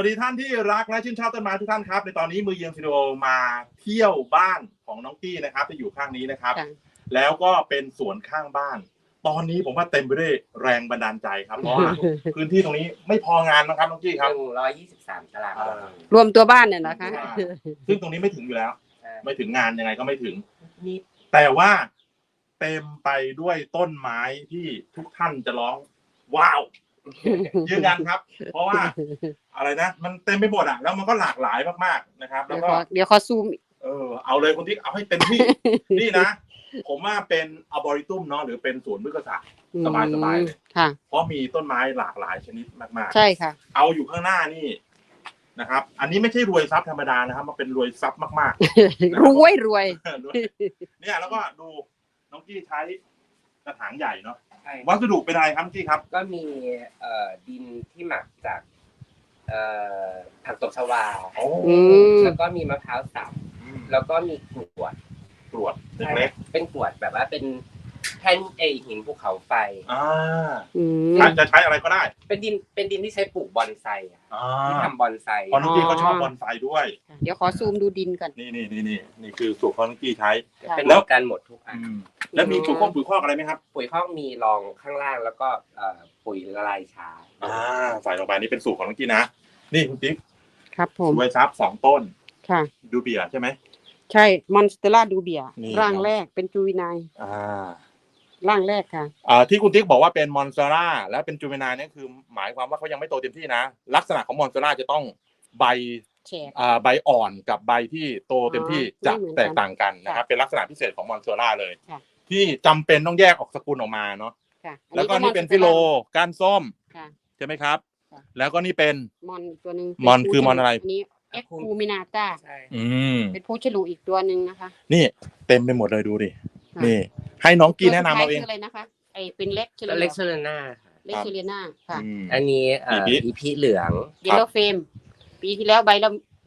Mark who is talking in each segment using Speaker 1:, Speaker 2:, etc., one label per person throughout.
Speaker 1: วัสดีท่านที่รักและชื่นชอบต้นไม้ทุกท่านครับในตอนนี้มือเยียงสตูดิโอมาเที่ยวบ้านของน้องกี้นะครับที่อยู่ข้างนี้นะครับแล้วก็เป็นสวนข้างบ้านตอนนี้ผมว่าเต็มไปด้วยแรงบันดาลใจครับเพราะว่าพื้นที่ตรงนี้ไม่พองานนะครับน้องกี้ครับ
Speaker 2: 123 ตาราง
Speaker 3: รวมตัวบ้านเนี่ยนะคะ
Speaker 1: ซึ่งตรงนี้ไม่ถึงอยู่แล้วไม่ถึงงานยังไงก็ไม่ถึงแต่ว่าเต็มไปด้วยต้นไม้ที่ทุกท่านจะร้องว้าวยืนยันครับเพราะว่าอะไรนะมันเต็มไปหมดอ่ะแล้วมันก็หลากหลายมากๆนะครับแล้วก็
Speaker 3: เดี๋ยวขอซูม
Speaker 1: เอาเลยคนที่เอาให้เต็มที่นี่นะผมว่าเป็นอาร์บอริตุมเนาะหรือเป็นสวนพฤกษศาสตร์สบายๆเลยเพราะมีต้นไม้หลากหลายชนิดมากๆ
Speaker 3: ใช่ค่ะ
Speaker 1: เอาอยู่ข้างหน้านี่นะครับอันนี้ไม่ใช่รวยทรัพย์ธรรมดานะครับมันเป็นรวยทรัพย์มาก
Speaker 3: ๆรวย
Speaker 1: เนี่ยแล้วก็ดูน้องกี้ใช้กระถางใหญ่เนาะวัสดุเป็นอะไรครับพี่ครับ
Speaker 2: ก็มีดินที่หมักจากผักตบชวาแล้วก็มีมะพร้าวสับแล้วก็มีกรวด
Speaker 1: เล็ก
Speaker 2: เป็นกรวดแบบว่าเป็นแท่นหินภูเขาไฟ
Speaker 1: จะใช้อะไรก็ได้
Speaker 2: เป็นดินที่ใช้ปลูกบอนไซที่ทำบอนไซ
Speaker 1: เพราะน้องกี้เขาชอบบอนไซด้วย
Speaker 3: เดี๋ยวขอซูมดูดินก่อน
Speaker 1: นี่คือสูตรของน้องกี้ใช้
Speaker 2: แล้วกันหมดทุกอัน
Speaker 1: แล้วมีปุ๋ยคอกอะไรไหมครับ
Speaker 2: ปุ๋ยคอกมีรองข้างล่างแล้วก็ปุ๋ยละลายช้า
Speaker 1: ใส่ลงไปนี่เป็นสูตรของน้องกี้นะนี่คุณติ๊ก
Speaker 3: ครับผม
Speaker 1: รวยทรัพย์2 ต้น
Speaker 3: ค่ะ
Speaker 1: ดูเบียใช่ไหม
Speaker 3: ใช่มอนสเตล่าดูเบียร่างแรกเป็นจูวินายร่างแรกค่ะ
Speaker 1: ที่คุณติ๊กบอกว่าเป็นมอนสเตล่าและเป็นจูวินายนี่คือหมายความว่าเขายังไม่โตเต็มที่นะลักษณะของมอนสเตล่าจะต้องใบใบอ่อนกับใบที่โตเต็มที่จะแตกต่างกันนะครับเป็นลักษณะพิเศษของมอนสเตล่าเลยที่จำเป็นต้องแยกออกสกุลออกมาเนาะแล้วก็นี่เป็นฟิโลก้านส้มใช่ไหมครับแล้วก็นี่เป็น
Speaker 3: มอนตัวนึง
Speaker 1: มอนคือมอนอะไร
Speaker 3: นี้เอ็กคูมินาต้าเป็นผู้ฉลูอีกตัวนึงนะคะ
Speaker 1: นี่เต็มไปหมดเลยดูดินี่ให้น้องกี้แนะนำเอาเอง
Speaker 3: อะไรนะคะไอเป็นเล็กเช
Speaker 2: เลน่า
Speaker 3: ค่ะ
Speaker 2: อันนี้อีพีเหลือง
Speaker 3: เยลโลเฟมปีที่แล้วใบละ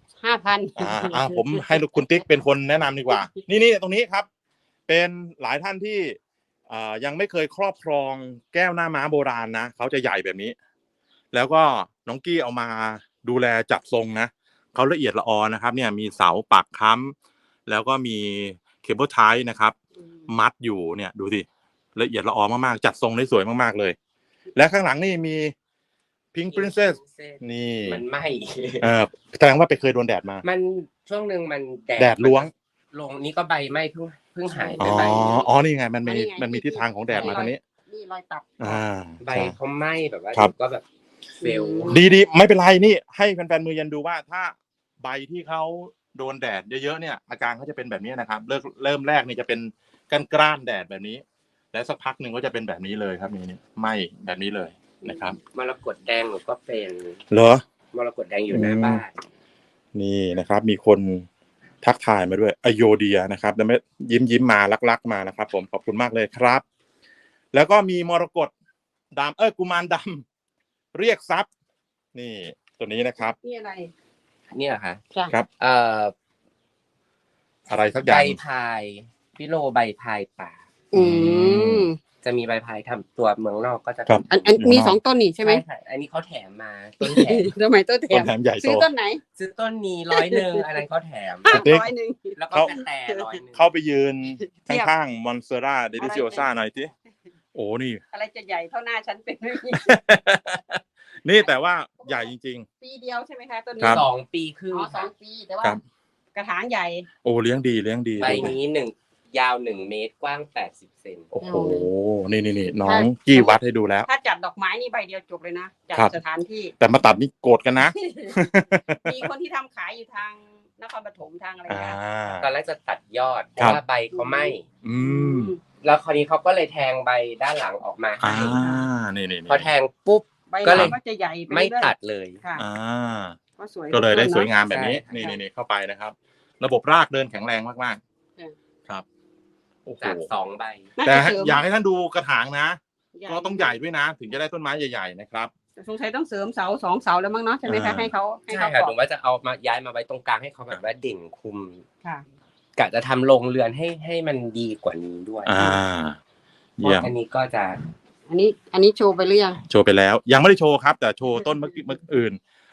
Speaker 3: 5,000
Speaker 1: ผมให้คุณติ๊กเป็นคนแนะนำดีกว่านี่ตรงนี้ครับเป็นหลายท่านที่ยังไม่เคยครอบครองแก้วหน้าม้าโบราณนะเขาจะใหญ่แบบนี้แล้วก็น้องกี้เอามาดูแลจัดทรงนะเขาละเอียดละออนะครับเนี่ยมีเสาปักค้ำแล้วก็มีเคเบิลไทป์นะครับมัดอยู่เนี่ยดูสิละเอียดละออมากๆจัดทรงได้สวยมากๆเลยและข้างหลังนี่มีพิงค์พรินเซสนี่
Speaker 2: มันไหม้
Speaker 1: แสดงว่าไปเคยโดนแดดมา
Speaker 2: มันช่วงนึงมัน
Speaker 1: แดดล้วง
Speaker 2: ลงนี่ก็ใบไหม้เพิ่งหายไปใบ
Speaker 1: นี่ไงมันมีทิศทางของแดดมาทางนี้
Speaker 3: นี่รอยตัด
Speaker 2: ใบเขาไหม้แบบว่าก็แบบเฟล
Speaker 1: ดีไม่เป็นไรนี่ให้แฟนๆมือเย็นดูว่าถ้าใบที่เขาโดนแดดเยอะๆเนี่ยอาการเขาจะเป็นแบบนี้นะครับเริ่มแรกนี่จะเป็นกล้านแดดแบบนี้แล้วสักพักหนึ่งก็จะเป็นแบบนี้เลยครับนี่ไหม้แบบนี้เลยนะครับ
Speaker 2: มรกตแดงหนูก็เป็น
Speaker 1: เหรอ
Speaker 2: มรกตแดงอยู่หน้าบ้าน
Speaker 1: นี่นะครับมีคนทักทายมาด้วยอโยเดียนะครับแล้วไม่ยิ้มมารักมานะครับผมขอบคุณมากเลยครับแล้วก็มีมรกตดำกุมารดำเรียกทรัพย์นี่ตัวนี้นะครับ
Speaker 3: นี่อะไร
Speaker 2: เนี่ยค่ะ
Speaker 1: ครับอะไรสักอย่าง
Speaker 2: ใบพายพิโลใบพายป่าจะมีใบพายทำตัวเมืองนอกก็จะ
Speaker 3: อันมี2 ต้นนี่ใช่ไหม
Speaker 2: อันนี้เขาแถมมาต้นแถม
Speaker 3: ทำไมต้นแถม
Speaker 1: ใหญ่
Speaker 3: ซื้อต้นไหน
Speaker 2: ซื้อต้นนี้100อันนั้นเขาแถม100แล้วก็แต่100
Speaker 1: เข้าไปยืนข้างๆมอนสเตล่าเดลิซิโอซ่าหน่อยสิโอ้นี่
Speaker 3: อะไรจะใหญ่เท่าหน้าฉันเป็น
Speaker 1: นี่แต่ว่าใหญ่จริง
Speaker 3: ๆปีเดียวใช่ไหมคะต้น
Speaker 2: นี้2 ปีครึ่ง
Speaker 3: 2 ปีแต่ว่ากระถางใหญ่
Speaker 1: โอ้เลี้ยงดี
Speaker 2: ใบนี้ยาว1 เมตรกว้าง80 เซน
Speaker 1: โอ้โหนี่น้องกี้วัดให้ดูแล้ว
Speaker 3: ถ้าจัดดอกไม้นี่ใบเดียวจบเลยนะจัดสถานที่
Speaker 1: แต่มาตัดนี่โกรธกันนะ
Speaker 3: มีคนที่ทำขายอยู่ทางนครปฐมทางอะไรอย่างเงี้ย
Speaker 2: ตอนแรกจะตัดยอดเพราะว่าใบเขาไหม้แล้วคราวนี้เขาก็เลยแทงใบด้านหลังออกมา
Speaker 1: นี่
Speaker 2: พอแทงปุ๊บก็เลย
Speaker 3: จะใหญ่
Speaker 2: ไม่ตัดเลย
Speaker 1: ก็เลยได้สวยงามแบบนี้นี่เข้าไปนะครับระบบรากเดินแข็งแรงมากๆครับ
Speaker 2: จาก2 ใบ
Speaker 1: แต่อยากให้ท่านดูกระถางนะก็ต้องใหญ่ด้วยนะถึงจะได้ต้นไม้ใหญ่ๆนะครับ
Speaker 3: สงสัยต้องเสริมเสา2 เสาแล้วมั้งเนาะใช่ไหมคะให้เขา
Speaker 2: ใช่ค่ะผมว่าจะเอามาย้ายมาไว้ตรงกลางให้เขาแบบว่าเด่นคุมกะจะทำโรงเรือนให้มันดีกว่านี้ด้วยอันนี้ก็จะ
Speaker 3: อันนี้โชว์ไปหรือยัง
Speaker 1: โชว์ไปแล้วยังไม่ได้โชว์ครับแต่โชว์ต้นเมื่ออื่น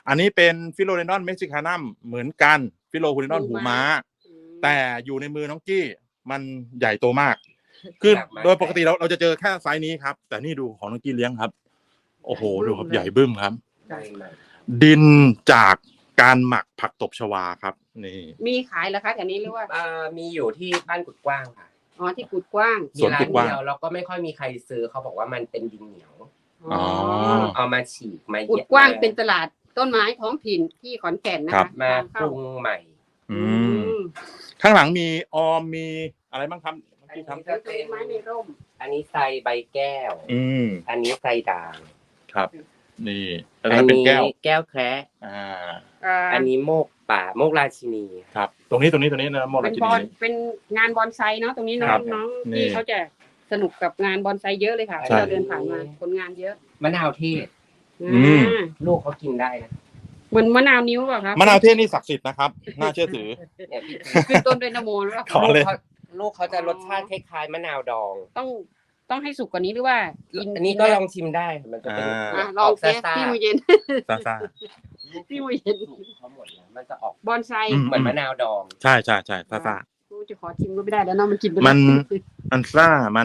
Speaker 1: อันนี้เป็นฟิโลเดนอนเม็กซิคานัมเหมือนกันฟิโลฮูเดนอนหูม้าแต่อยู่ในมือน้องกี้มันใหญ่โตมากคือโดยปกติเราจะเจอแค่ไซส์นี้ครับแต่นี่ดูของน้องกี้เลี้ยงครับ โอ้โหดูครับใหญ่บึ้มครับดินจากการหมักผักตบชวาครับนี่
Speaker 3: มีขายเหรอคะแถวนี้หรือว่า
Speaker 2: มีอยู่ที่บ้านกุดกว้างค่ะ
Speaker 3: อ๋อที่กุดกว้าง
Speaker 2: สวนกุดกว้างแล้วก็ไม่ค่อยมีใครซื้อเขาบอกว่ามันเป็นดินเหนียวเอามาฉีกมา
Speaker 3: กุดกว้างเป็นตลาดต้นไม้ท้องถิ่นที่ขอนแก่นนะคะ
Speaker 2: มาปรุงใหม่
Speaker 1: ข้างหลังมีออมมีอะไรบ้างครับ
Speaker 3: อันนี้จะเป็นไม้ในร่ม
Speaker 2: อันนี้ไซใบแก้วอันนี้ไซด่าง
Speaker 1: ครับนี่
Speaker 2: อันนี้แก้วแคระอันนี้โมกป่าโมกราชินี
Speaker 1: ครับตรงนี้นะโมกราชินี
Speaker 3: เป็นงานบอนไซเนาะตรงนี้น้องที่เขาจะสนุกกับงานบอนไซเยอะเลยค่ะเราเดินผ่านมาคนงานเยอะ
Speaker 2: มะนาวเทศลูกเขากินได้นะ
Speaker 3: เหมือนมะนาวนิ้วป่ะครับ
Speaker 1: มะนาวเทศนี่ศักดิ์สิทธิ์นะครับน่าเชื่อถือ
Speaker 3: ขึ้นต้นด้วยนโมหรือเปล่า
Speaker 2: ลูกเขาจะรสชาติคล้ายๆมะนาวดอง
Speaker 3: ต้องให้สุกกว่านี้หรือว่า
Speaker 2: อันนี้ก็ลองชิมได้มันจะเป็น
Speaker 3: ลองแค่ที่มือเย็น
Speaker 1: ซ่า
Speaker 3: ที่มือเย็น
Speaker 2: เขาหมดแล้วมันจะออก
Speaker 3: บอนไซ
Speaker 2: เหมือนมะนาวดอง
Speaker 1: ใช่ซ่า
Speaker 3: จะขอชิมก็ไม่ได้แล้วเนาะมันกิน
Speaker 1: มันซ่ามัน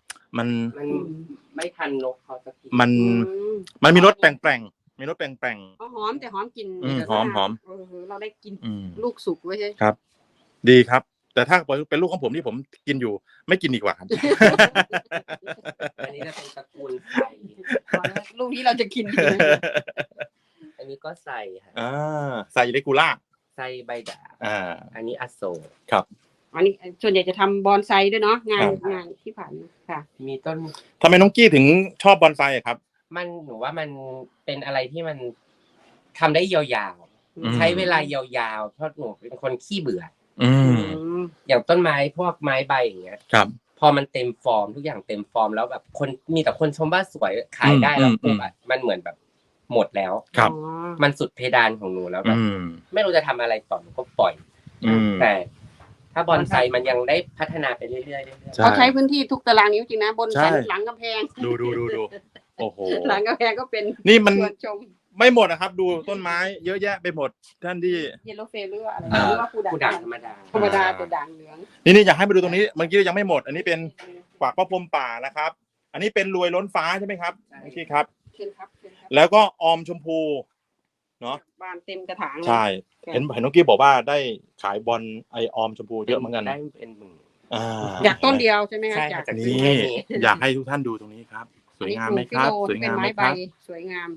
Speaker 2: ไม่ทันนกเขาจะกิน
Speaker 1: มันมีรสแปลงมีรสแปลง
Speaker 3: หอมแต่หอมกลิ่น
Speaker 1: หอม
Speaker 3: เราได้กินลูกสุกไว้ใช่
Speaker 1: ครับดีครับแต่ถ้าเป็นลูกของผมที่ผมกินอยู่ไม่กินดีกว่าครับ
Speaker 2: อันนี้จะเป็นตระกูลไซ
Speaker 3: ลูกนี้เราจะกิน
Speaker 2: อันนี้ก็ไซค่ะ
Speaker 1: ไซเลกูล่า
Speaker 2: ไซใบด่างอันนี้อโศก
Speaker 1: ครับ
Speaker 3: อันนี้ส่วนใหญ่จะทำบอนไซด้วยเนาะงานที่ผ่านค่ะ
Speaker 2: มีต้น
Speaker 1: ทำไมน้องกี้ถึงชอบบอนไซครับ
Speaker 2: หนูว่ามันเป็นอะไรที่มันทำได้ยาวๆใช้เวลายาวๆเพราะหนูเป็นคนขี้เบื่ออย่างต้นไม้พวกไม้ใบอย่างเงี้ย
Speaker 1: ครับ
Speaker 2: พอมันเต็มฟอร์มทุกอย่างเต็มฟอร์มแล้วแบบคนมีแต่คนชมว่าสวยขายได้แล้วปุ๊บอ่ะมันเหมือนแบบหมดแล้ว
Speaker 1: ครับ
Speaker 2: มันสุดเพดานของหนูแล้วแบบไม่รู้จะทำอะไรต่อก็ปล่อยแต่ถ้าบอนไซมันยังได้พัฒนาไปเรื่อยๆ
Speaker 3: เขาใช้พื้นที่ทุกตารางนิ้วจริงนะบนสันหลังกำแพง
Speaker 1: ดูโอ้โห
Speaker 3: หลังกำแพงก็เป็น
Speaker 1: นี่มันไม่หมดนะครับดูต้นไม้เยอะแยะไปหมดท่านที่
Speaker 3: เยลโลเฟลหรืออะไรหรือว่า
Speaker 2: ผู้ด่างธรรมดา
Speaker 3: ตัวด่างเหลือง
Speaker 1: นี่อยากให้ไปดูตรงนี้เมื่อกี้ยังไม่หมดอันนี้เป็นฝากพระพรหมป่านะครับอันนี้เป็นรวยล้นฟ้าใช่ไหมครับพี่ครับแล้วก็ออมชมพูเนาะ
Speaker 3: บานเต็มกระถาง
Speaker 1: ใช่เห็นน้องกี้บอกว่าได้ขายบอลไอออมชมพูเยอะเหมือนกัน
Speaker 2: ได้เป็นหมื่น
Speaker 3: จากต้นเดียวใช่ไหมครับ
Speaker 2: จาก
Speaker 1: นี่อยากให้ทุกท่านดูตรงนี้ครับสวยงามไหมครับสวยงามไหมครับ
Speaker 3: สวยงาม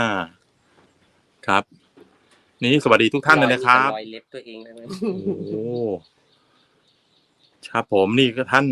Speaker 1: ครับนี่สวัสดีทุกท่านเลยนะครับ
Speaker 2: รอยเล็บตัวเองเลย
Speaker 1: โอ้ครับผมนี่ก็ท่าน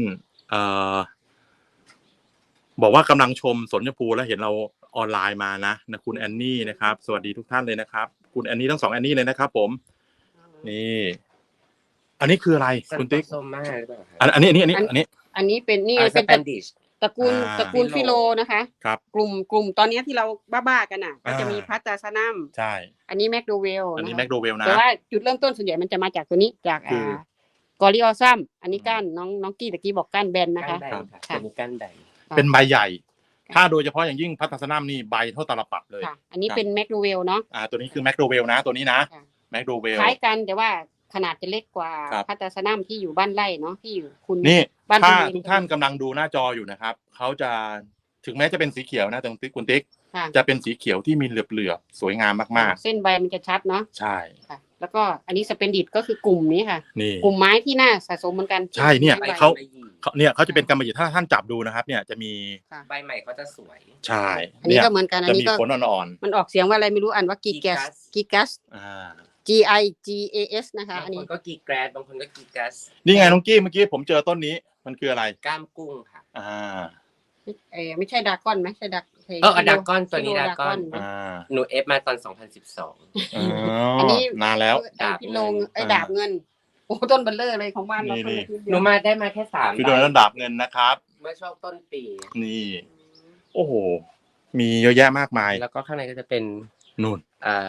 Speaker 1: บอกว่ากำลังชมสวนชมพูแล้วเห็นเราออนไลน์มานะคุณแอนนี่นะครับสวัสดีทุกท่านเลยนะครับคุณแอนนี่ทั้ง2แอนนี่เลยนะครับผมนี่อันนี้คืออะไรคุณติ๊กอันนี้
Speaker 3: เป็นนี่เป็นตระกูลฟิโลนะคะ
Speaker 1: ครับ
Speaker 3: กลุ่มตอนนี้ที่เราบ้าๆกันน่ะก็จะมีพัตตาซานัม
Speaker 1: ใช่
Speaker 3: อันนี้แมคโดเวล
Speaker 1: อันนี้แมคโดเวลนะ
Speaker 3: แต่ว่าจุดเริ่มต้นส่วนใหญ่มันจะมาจากตัวนี้จากกอริออซัมอันนี้ก้านน้องกี้ตะกี้บอกก้านแบนนะคะ
Speaker 2: เป็นก้านใด
Speaker 1: เป็นใบใหญ่ถ้าโดยเฉพาะอย่างยิ่งพัตตาซานัมนี่ใบเท่าตาลปัดเลย
Speaker 3: อันนี้เป็นแมคโดเวลเนาะ
Speaker 1: ตัวนี้คือแมคโดเวลนะตัวนี้นะแมคโดเวล
Speaker 3: คล้ายกันแต่ว่าขนาดจะเล็กกว่าพัตตาซานัมที่อยู่บ้านไร่เนาะที่อยู่คุณ
Speaker 1: นี่ถ้าทุกท่านกำลังดูหน้าจออยู่นะครับเขาจะถึงแม้จะเป็นสีเขียวนะตรงติ๊กคุณติ๊กจะเป็นสีเขียวที่มีเหลือบๆสวยงามมาก
Speaker 3: ๆเส้นใบมันจะชัดเนาะ
Speaker 1: ใช่
Speaker 3: แล้วก็อันนี้สเปนดิตก็คือกลุ่มนี้ค่ะกลุ่มไม้ที่น่าสะสมเหมือนกัน
Speaker 1: ใช่เนี่ยเขาจะเป็นกำมะหยี่ถ้าท่านจับดูนะครับเนี่ยจะมี
Speaker 2: ใบใหม่เขาจะสวย
Speaker 1: ใช่
Speaker 3: อันนี้ก็เหมือนกันอันนี้ก็
Speaker 1: ผลอ่อน
Speaker 3: ๆมันออกเสียงว่าอะไรไม่รู้อ่านว่ากีกัสG I G A S นะคะอันนี้
Speaker 2: ก็กีแกรดบางคนก็กีกัส
Speaker 1: นี่ไงน้องกี้เมื่อกี้ผมเจอต้นนี้มันคืออะไร
Speaker 2: ก้ามกุ้งค่ะ
Speaker 3: ไม่ใช่ดากอนไหมใช่ด
Speaker 2: ากอนตัวนี้ดากอนหนูเอฟมาตอน2012
Speaker 1: อันนี้นานแล้ว
Speaker 3: พี่ลงดาบเงินโอ้ต้นเบลเลอร์เลยของบ้านเรา
Speaker 2: หนูมาได้มาแค่3
Speaker 1: พี่โดนดาบเงินนะครับ
Speaker 2: เมื่อช่วงต้นปี
Speaker 1: นี่โอ้โหมีเยอะแยะมากมาย
Speaker 2: แล้วก็ข้างในก็จะเป็น
Speaker 1: นู่น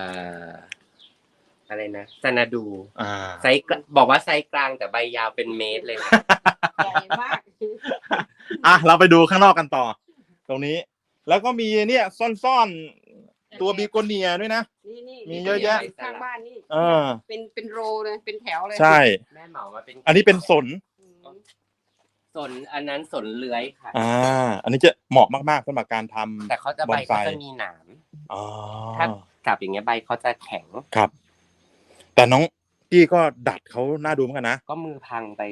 Speaker 2: อะไรนะซานาดูไซส์บอกว่าไซส์กลางแต่ใบยาวเป็นเมตรเลย
Speaker 3: ใหญ่มาก
Speaker 1: เราไปดูข้างนอกกันต่อตรงนี้แล้วก็มีเนี่ยซ่อนตัวบีโกเนียด้วยนะ
Speaker 3: นี่
Speaker 1: มีเยอะแยะ
Speaker 3: ข้างบ้านนี่ เป็นโรเลยเป็นแถวเลย
Speaker 1: ใช่
Speaker 2: แม่เหมามาเป็น
Speaker 1: อันนี้เป็นสน
Speaker 2: สนอันนั้นสนเลื้อยค่ะ
Speaker 1: อันนี้จะเหมาะมากๆสำหรับการทำ
Speaker 2: แต่เขาจะใบเขาจะมีหนาม
Speaker 1: อ๋อ
Speaker 2: ถ้าจับอย่างเงี้ยใบเขาจะแข็ง
Speaker 1: ครับ แต่น้องกี้ก็ดัดเขาน่าดูเหมือนกันนะ
Speaker 2: ก็มือพังไป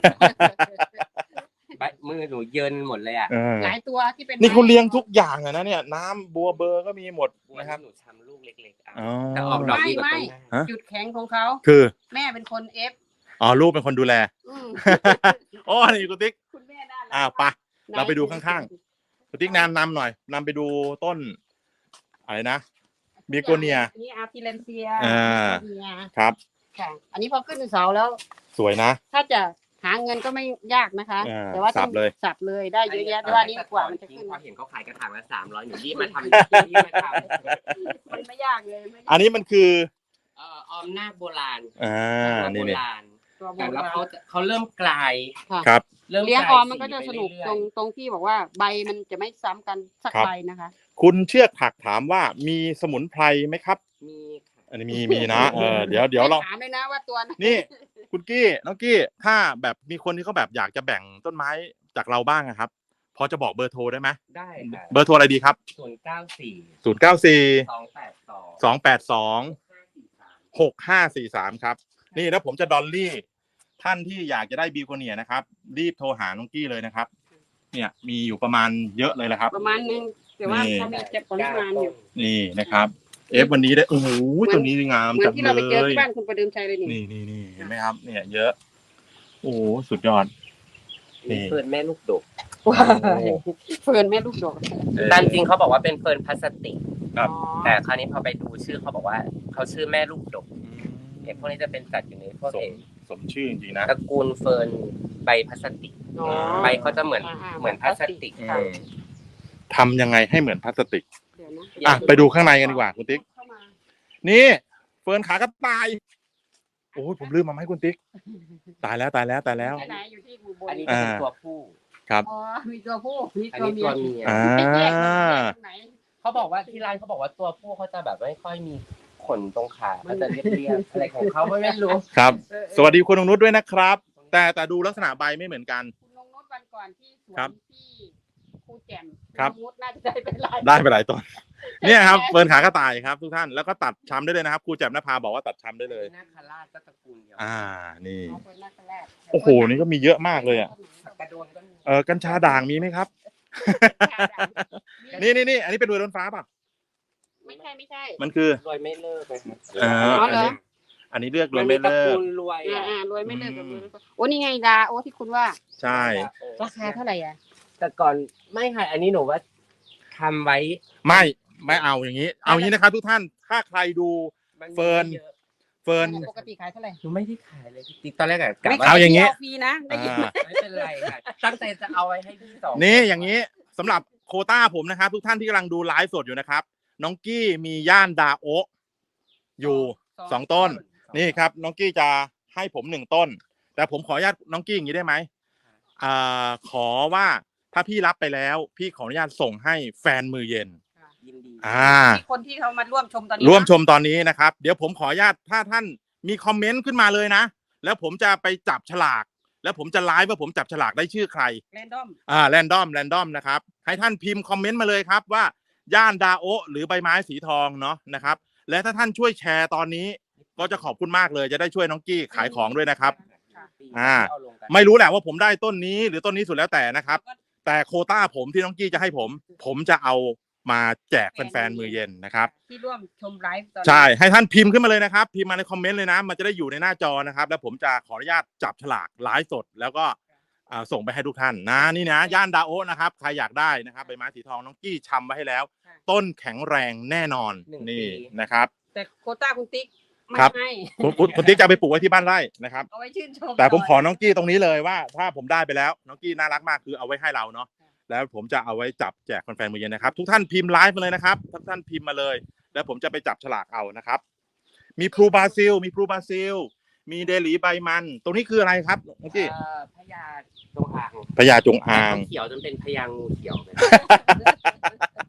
Speaker 2: ใบมือหนูเยินหมดเลยอ่ะ
Speaker 3: หลายตัวที่เป็น
Speaker 1: นี่เขาเลี้ยงทุกอย่างอะนะเนี่ยน้ำบัวเบอร์ก็มีหมด
Speaker 2: นะ
Speaker 1: นะ
Speaker 2: ค
Speaker 1: ค
Speaker 2: รั
Speaker 1: รั
Speaker 2: บบ หนูทำลูกเล็กๆอ่ะ
Speaker 1: อ๋อ
Speaker 2: แต่ออกดอกดีกว่าต้นหน้า
Speaker 1: ฮะ
Speaker 3: จุดแข็งของเขา
Speaker 1: คือ
Speaker 3: แม่เป็นคนเอฟ
Speaker 1: อ๋อลูกเป็นคนดูแล
Speaker 3: อืม
Speaker 1: โอ้นี่คุณติ๊ก
Speaker 3: คุณแม่น่ารัก
Speaker 1: ไปเราไปดูข้างๆคุณติ๊กนำหน่อยนำไปดูต้นอะไรนะบีโกเนีย
Speaker 3: นี่อาร์ติเลนเซีย
Speaker 1: ครับ
Speaker 3: ค่ะ อันนี้พอขึ้นเสาแล้ว
Speaker 1: สวยนะ
Speaker 3: ถ้าจะหาเงินก็ไม่ยากนะคะ
Speaker 1: อ่า
Speaker 3: แต่ว่าต้อง
Speaker 1: สับเลย
Speaker 3: สับเลยได้เยอะแยะแต่ว่านี่กว่ามันจะขึ้น
Speaker 2: พอเห็นเขาขายกระถางละ300หนูรีบมาทำรีบมาทำ
Speaker 3: มันไม่ยากเลยไม่ยาก
Speaker 1: อันนี้มันคือ
Speaker 2: ออมนาคโบราณ
Speaker 1: นี่
Speaker 2: โบ
Speaker 1: นี่
Speaker 2: ราณ
Speaker 3: ตัวโบ
Speaker 2: แต่แล้ว
Speaker 3: ราณ
Speaker 2: เขาเริ่มกลาย
Speaker 1: ครับ
Speaker 2: เริ่ม
Speaker 3: เลี้ยง
Speaker 2: ก
Speaker 3: อ
Speaker 2: ลา
Speaker 3: อมมันก็จะสนุก
Speaker 2: ไปเอยๆ
Speaker 3: ตรงที่บอกว่าใบมันจะไม่ซ้ำกันสัก
Speaker 1: ครับ
Speaker 3: ใบนะคะ
Speaker 1: คุณเชือกถักถามว่ามีสมุนไพรไหมครับ
Speaker 2: มีค่ะ
Speaker 1: อันนี้มีนะเดี๋ยวเรา
Speaker 3: ถามเลยนะว่าตัวไหน
Speaker 1: นี่ คุณกี้น้องกี้ถ้าแบบมีคนที่เขาแบบอยากจะแบ่งต้นไม้จากเราบ้างอะครับ พอจะบอกเบอร์โทรได้ไหม
Speaker 2: ได้ค่ะ
Speaker 1: เบอร์โทรอะไรดีครับ
Speaker 2: 094
Speaker 1: 094
Speaker 2: 282
Speaker 1: 282 6543ครับนี่แล้วผมจะดอลลี่ท่านที่อยากจะได้บีโกเนียนะครับรีบโทรหาน้องกี้เลยนะครับ เนี่ยมีอยู่ประมาณเยอะเลยแหละครับ
Speaker 3: ประมาณนึงแต่ว่าเขามีเก็บปริมาณอยู่
Speaker 1: นี่นะครับวันนี้ได้โอ้โหตัวนี้งาม
Speaker 3: เหมือ
Speaker 1: จั
Speaker 3: น
Speaker 1: ง
Speaker 3: ที่
Speaker 1: เล
Speaker 3: เราไปเจอย ที่
Speaker 1: นี่
Speaker 3: บ้านคุณประเดิมชัยเลยนี่
Speaker 1: นี่เห็นไหมครับ เนี่ยเยอะ โอ้โหสุดยอด นี่
Speaker 2: เฟิร์นแม่ลูกดก
Speaker 3: เฟิร์นแม่ลูกดอก
Speaker 2: ตามจริงเขาบอกว่าเป็นเฟิร์นพลาสติก
Speaker 1: ครับ
Speaker 2: แต่คราวนี้พอไปดูชื่อเขาบอกว่าเขาชื่อแม่ลูกดกพวกนี้จะเป็นจัดอยู่ในพวก
Speaker 1: สมชื่อจริงๆนะ
Speaker 2: ตระกูลเฟิร์นใบพลาสติก
Speaker 3: อ๋อ
Speaker 2: ใบเขาจะเหมือนพลาสติก
Speaker 3: ค่ะ
Speaker 1: ทำยังไงให้เหมือนพลาสติก
Speaker 3: เดี๋ยวนะ
Speaker 1: ไปดูข้างในกันดีกว่าคุณติ๊ก
Speaker 3: เข้ามา
Speaker 1: นี่เฟิร์นขากระต่ายโอ้ยผมลืมมาให้คุณติ๊ก ตายแล้ว
Speaker 3: ที่ไหนอยู่ที่อุบล
Speaker 2: อันนี้จะเป็นตัวผู้
Speaker 1: ครับ
Speaker 3: อ๋อมีตัวผู้มี
Speaker 2: อัน
Speaker 3: ตัว
Speaker 2: นี้
Speaker 3: เมี
Speaker 2: ตั
Speaker 3: ยว
Speaker 2: เมีย
Speaker 3: ไปแยกตรงไหน
Speaker 2: เขาบอกว่าที่ร้านเขาบอกว่าตัวผู้เขาจะแบบไม่ค่อยมีขนตรงขาเขาจะเรียบๆอะไรของเขาไม่รู้
Speaker 1: ครับ
Speaker 3: เออ
Speaker 1: สวัสดีคุณนงนุชด้วยนะครับ แต่ดูลักษณะใบไม่เหมือนกัน
Speaker 3: คุณนงนุชวันก่อนที่สว
Speaker 1: ครั
Speaker 3: น
Speaker 1: บ
Speaker 3: ที่ครูแจ่ม
Speaker 1: ครับ
Speaker 3: ณนงนุชน่าจะได้เป็นลาย
Speaker 1: ได้ไปหลายต้น เนี่ยครับเฟิร์นขากระต่ายครับทุกท่านแล้วก็ตัดช้ำได้เลยนะครับครูแจ่มนภาบอกว่าตัดช้ำได้เลย
Speaker 2: นาคราชก็ตระกูลเดียว
Speaker 1: นี่
Speaker 3: เอาเฟิร์นหน้าแรก
Speaker 1: โอ้โหนี่ก็มีเยอะมากเลยอ่ะ
Speaker 2: ผักกระโดนก็มี
Speaker 1: กัญชาด่างมีไหมครับ นี่อันนี้เป็นรวยล้นฟ้าป่ะ
Speaker 3: ไม่ใช่
Speaker 1: มันคือ
Speaker 2: รวยไม่เลิกเลยครับ
Speaker 3: อ๋อเหรอ
Speaker 1: อันนี้เลือกรวยไม่เลิ
Speaker 2: ตระ
Speaker 1: ก
Speaker 2: กูลรวย
Speaker 3: รวยไม่เลิกกับรวยโอ้นี่ไงดาโอ้ที่คุณว่า
Speaker 1: ใช่
Speaker 3: ราคาเท่าไหร่อ่ะ
Speaker 2: แต่ก่อนไม่ค่ะอันนี้หนูว่าทำไว้
Speaker 1: ไม่เอาอย่างนี้ เอาอย่างนี้นะครับทุกท่านถ้าใครดู
Speaker 2: มัน
Speaker 1: เฟิร์น
Speaker 2: ไม่ยอะ
Speaker 1: เฟิร์น
Speaker 3: ปกติขายเท่าไหร่
Speaker 2: หนูไม่ได้ขายเลยจริงๆตอนแรกอะกะ
Speaker 3: ไม่
Speaker 2: ว่า
Speaker 1: เอาอย่างงี้
Speaker 3: นี้ฟรีนะได้ยินไหม
Speaker 2: ไม่เป็นไรค่ะตั้งใจจะเอาไว้ให้พี่สอง
Speaker 1: นี่อย่างนี้สำหรับโควต้าผมนะครับ ทุกท่านที่กำลังดูไลฟ์สดอยู่นะครับ น้องกี้มีย่านดาโอะอยู่2 ต้น นี่ครับน้องกี้จะให้ผม1 ต้น แต่ผมขออนุญาตน้องกี้อย่างนี้ได้ไหมขอว่าถ้าพี่รับไปแล้ว พี่ขออนุญาตส่งให้แฟนมือเย็น
Speaker 2: ยินดี
Speaker 3: มีคนที่เขามาร่วมชมตอนนี้
Speaker 1: ร่วมชมตอนนี้นะครับ เดี๋ยวผมขออนุญาตถ้าท่านมีคอมเมนต์ขึ้นมาเลยนะ แล้วผมจะไปจับฉลาก แล้วผมจะไลฟ์ว่าผมจับฉลากได้ชื่อใคร
Speaker 3: แรนดอม
Speaker 1: แรนดอมนะครับ ให้ท่านพิมพ์คอมเมนต์มาเลยครับว่าย่านดาโอะหรือใบไม้สีทองเนาะนะครับ และถ้าท่านช่วยแชร์ตอนนี้ ก็จะขอบคุณมากเลยจะได้ช่วยน้องกี้ขายของด้วยนะครับ ไม่รู้แหละว่าผมได้ต้นนี้หรือต้นนี้สุดแล้วแต่นะครับ แต่โควต้าผมที่น้องกี้จะให้ผมจะเอามาแจกแฟนๆมือเย็นนะครับ
Speaker 3: ที่ร่วมชมไลฟ์ตอนนี้
Speaker 1: ใช่ให้ท่านพิมพ์ขึ้นมาเลยนะครับพิมพ์มาในคอมเมนต์เลยนะมันจะได้อยู่ในหน้าจอนะครับแล้วผมจะขออนุญาตจับฉลากไลฟ์สดแล้วก็ส่งไปให้ทุกท่านนะนี่นะย่านดาโอะนะครับใครอยากได้นะครับใบไม้สีทองน้องกี้ชำไว้ให้แล้ว ต้นแข็งแรงแน่นอนนี่นะครับ
Speaker 3: แต่โควต้าคุณติ๊กไม่
Speaker 1: ครับ
Speaker 3: ให้
Speaker 1: คุณติ๊กจะเอาไปปลูกไว้ที่บ้านไร่นะครับ
Speaker 3: เอาไว้ชื่นชม
Speaker 1: แต่ผมขอน้องกี้ตรงนี้เลยว่าถ้าผมได้ไปแล้วน้องกี้น่ารักมากคือเอาไว้ให้เราเนาะแล้วผมจะเอาไว้จับแจกแฟนๆมือเย็นนะครับทุกท่านพิมพ์ไลฟ์มาเลยนะครับทุกท่านพิมพ์มาเลย แล้วผมจะไปจับฉลากเอานะครับมีพลูบราซิลมีเดลีใบมันตรงนี้คืออะไรครับน้องกี้
Speaker 2: พญาจงอาง
Speaker 1: พญาจงอาง
Speaker 2: เขียวจนเป็นพญางูเขียวเลย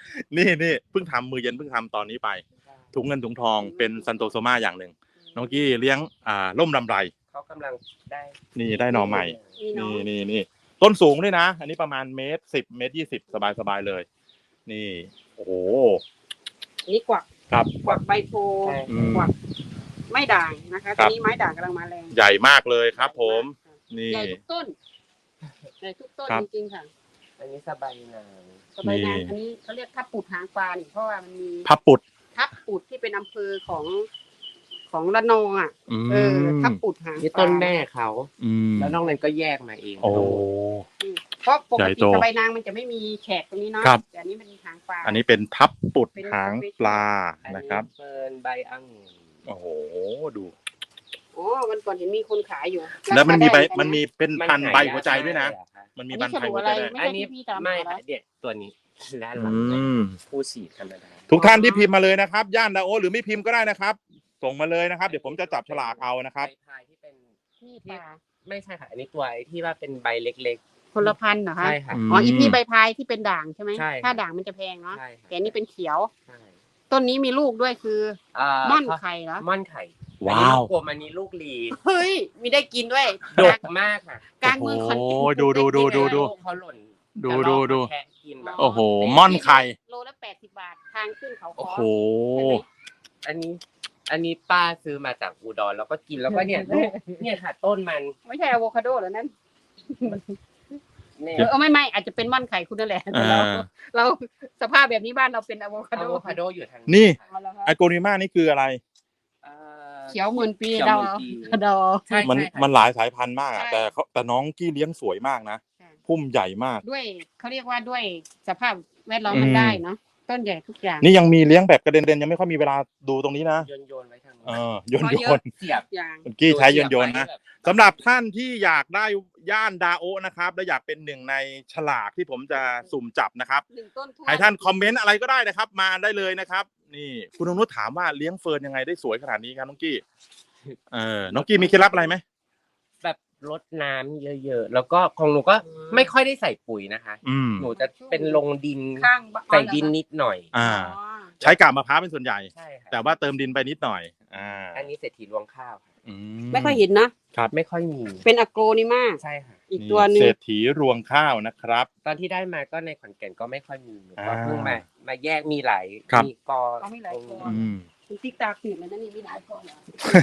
Speaker 1: นี่เพิ่งทำมือเย็นเพิ่งทำตอนนี้ไปถุงเงินถุงทองเป็นซันโตโซมาอย่างหนึ่งน้องกี้เลี้ยงร่มรำไร
Speaker 2: เขากำลังได้
Speaker 1: นี่ได้หน่อใหม่
Speaker 3: นี่เนาะ
Speaker 1: นี่ต้นสูงด้วยนะ อันนี้ประมาณ1.10 1.20 สบายเลย นี่โอ้โห
Speaker 3: นี่กวัก
Speaker 1: ครับ
Speaker 3: กวักใบโพ
Speaker 1: อืม
Speaker 3: กวักไม้ด่างนะคะ
Speaker 1: ครั
Speaker 3: ต
Speaker 1: บ
Speaker 3: อนนี้ไม้ด่างกำลังมาแรง
Speaker 1: ใหญ่มากเลยครับ ผมนี่
Speaker 3: ใหญ่ทุกต้นใหญ่ทุกต้น
Speaker 1: ครับ
Speaker 3: จริงๆค่ะ
Speaker 2: อันนี้สบายนาง
Speaker 3: สบายนาง
Speaker 1: นี่
Speaker 3: อันนี้เขาเรียกทับปุดหางปลานี่เพราะว่ามันมี
Speaker 1: พับปุด
Speaker 3: ทับปุดที่เป็นอำเภอของระนองอ่ะ
Speaker 1: อืม
Speaker 3: ทับปุดหาง
Speaker 2: นี่
Speaker 3: ปลา
Speaker 2: ต้นแม่เขา
Speaker 1: อืม
Speaker 2: แล้วนอกนั้นก็แยกมาเอง
Speaker 1: โอ้
Speaker 3: เพราะปก
Speaker 1: ใหญ่
Speaker 3: ติ
Speaker 1: โต
Speaker 3: สบายนางมันจะไม่มีแฉกตรงนี้เนาะ
Speaker 1: ครับ
Speaker 3: แต่อันนี้มันมีหางปลา
Speaker 1: อันนี้เป็นทับปุด
Speaker 3: เป็น
Speaker 1: หางปลา
Speaker 2: อัน
Speaker 1: นะ
Speaker 2: นี้
Speaker 1: ครับ
Speaker 2: เฟิร์นใบองุ่น
Speaker 1: โอ้โหดู
Speaker 3: อ๋อมันก่อนเห็นมีคนขายอยู่
Speaker 1: แล้วมันมีใบ
Speaker 3: ราคาได้
Speaker 1: มันมีเป็น
Speaker 2: มัน
Speaker 1: พันใบ
Speaker 2: หายาก
Speaker 1: หัวใจด้วยนะ
Speaker 2: มากเลยอะค่ะ
Speaker 1: มันมี
Speaker 3: อัน
Speaker 1: บั
Speaker 3: นี้
Speaker 1: น
Speaker 3: ฉ
Speaker 1: ไทย
Speaker 3: ลุ
Speaker 1: หัว
Speaker 3: อะไร
Speaker 1: ใจด้วย
Speaker 3: ไม่
Speaker 2: อัน
Speaker 3: ใช่
Speaker 2: นี้
Speaker 3: ที่พี่ตาม
Speaker 2: ไม่
Speaker 3: หา
Speaker 2: ค่ะ
Speaker 3: แล้ว
Speaker 2: เด็ดตัวนี้ด้านห
Speaker 1: อื
Speaker 2: ลังเนี่ย
Speaker 1: ม
Speaker 2: ผู้สีธรรมดา
Speaker 1: ทุกท่านที่พิมพ์มาเลยนะครับย่านดาโอหรือไม่พิมพ์ก็ได้นะครับ ส่งมาเลยนะครับ เดี๋ยวผมจะจับฉลากเอานะครับ
Speaker 2: ใบพายที่เป็น
Speaker 3: นี่ปลา
Speaker 2: ไม่ใช่ค่ะ อันนี้ตัวที่ว่าเป็นใบเล็ก
Speaker 3: คนละพันธุ์เหรอ
Speaker 2: ๆ
Speaker 3: คะ
Speaker 2: ใช่ค่ะ
Speaker 3: อ๋ออีพี่ใบพายที่เป็นด่างใช่ไหม
Speaker 2: ใช่
Speaker 3: ถ้าด่างมันจะแพงเนาะ
Speaker 2: ใช่ค่ะ
Speaker 3: แต่อันนี้เป็นเขียว
Speaker 2: ใช่
Speaker 3: ต้นนี้มีลูกด้วยคือ ม่อนไข่เหรอ
Speaker 2: ม่อนไข่
Speaker 1: ว้าว
Speaker 2: อันนี้ลูกกลมอันนี้ลูกลี
Speaker 3: เฮ้ยมีได้กินด้วย
Speaker 2: ดกมากค่ะ
Speaker 3: กลางเมืองขอนแก่น
Speaker 1: โอ้ยดู
Speaker 2: ลูกเขาหล่น
Speaker 1: ดู
Speaker 2: จะลอก
Speaker 1: ดู
Speaker 2: มาแทะกินแบบ
Speaker 1: โอ้โหม่อนไข่
Speaker 3: โลละ80 บาททางขึ้นเขา
Speaker 1: โอ้
Speaker 3: คอ
Speaker 1: โห
Speaker 2: อันนี้ป้าซื้อมาจากอุดรแล้วก็กินแล้วก็เนี่ยลูกเนี่ยค่ะต้นมัน
Speaker 3: ไม่ใช่อะโวคาโดเหรอนั่น
Speaker 2: เนี่ย
Speaker 3: ไม่อาจจะเป็นม่อนไข่คุณนั่นแหละแต่เราสภาพแบบนี้บ้านเราเป็นอะโวคา
Speaker 2: อะ
Speaker 3: โด
Speaker 2: โวคาโดอยู่ทาง
Speaker 1: นี่
Speaker 3: เอาละครับ
Speaker 1: ไอโกนิมานี่คืออะไร
Speaker 3: เขียวหมื่นปี
Speaker 2: เขียว
Speaker 3: เดา
Speaker 2: หมื่นปี
Speaker 3: เดา
Speaker 2: ใช่
Speaker 1: มัน
Speaker 2: ใช่ค่ะ
Speaker 1: มันหลายสายพันธุ์มากอะ
Speaker 3: ใช่
Speaker 1: แต่น้องกี้เลี้ยงสวยมากนะ
Speaker 3: ใช่
Speaker 1: พุ่มใหญ่มาก
Speaker 3: ด้วยเขาเรียกว่าด้วยสภาพแวดล้อมมันได้เนาะต้นใหญ่ทุกอย่าง
Speaker 1: นี่ยังมีเลี้ยงแบบกระเด็นยังไม่ค่อยมีเวลาดูตรงนี้นะ
Speaker 2: โยนไว้ทางนู้น
Speaker 1: โยน
Speaker 3: เพราะเยอะ
Speaker 2: เสียบ
Speaker 3: อย่าง
Speaker 1: คุณกี้ใช้โยนนะ
Speaker 2: แบบ
Speaker 1: สำหรับท่านที่อยากได้ย่านดาโอะนะครับและอยากเป็นหนึ่งในฉลากที่ผมจะสุ่มจับนะครับ
Speaker 3: หนึ่งต้นทั่ว
Speaker 1: ให้ท่านคอมเมนต์อะไรก็ได้นะครับ มาได้เลยนะครับ นี่คุณอนุชถามว่าเลี้ยงเฟิร์นยังไงได้สวยขนาดนี้ครับน้องกี้น้องกี้มีเคล็ดลับอะไรไหม
Speaker 2: แบบรดน้ำเยอะๆแล้วก็ของหนูก็ไม่ค่อยได้ใส่ปุ๋ยนะคะ หนูจะเป็นลงดิน
Speaker 3: ข้างบ้าน
Speaker 2: ใส่ดินนิดหน่อย
Speaker 1: อ่า ใช้กาบมะพร้าวเป็นส่วนใหญ่
Speaker 2: ใช่ค่ะ
Speaker 1: แต่ว่าเติมดินไปนิดหน่อย
Speaker 2: อันนี้เศรษฐีรวงข้าวค่ะ
Speaker 3: ไม่ค่อยเห็นนะ
Speaker 2: ไม่ค่อยมี
Speaker 3: เป็นอะโกนิมา
Speaker 2: ใช่ค่ะ
Speaker 3: อีกตัวหนึ่ง
Speaker 1: เศรษฐีรวงข้าวนะครับ
Speaker 2: ตอนที่ได้มาก็ในขอนแก่นก็ไม่ค่อยมีหนูก็
Speaker 1: อ่า
Speaker 2: เพิ่งมาแยกมีหลาย
Speaker 1: ครับ
Speaker 2: มีกอ
Speaker 3: เขามีหลายกอ
Speaker 1: อืม
Speaker 3: คุณติ๊กตาขีดเลยนะนี่มีหลายคนเหรอ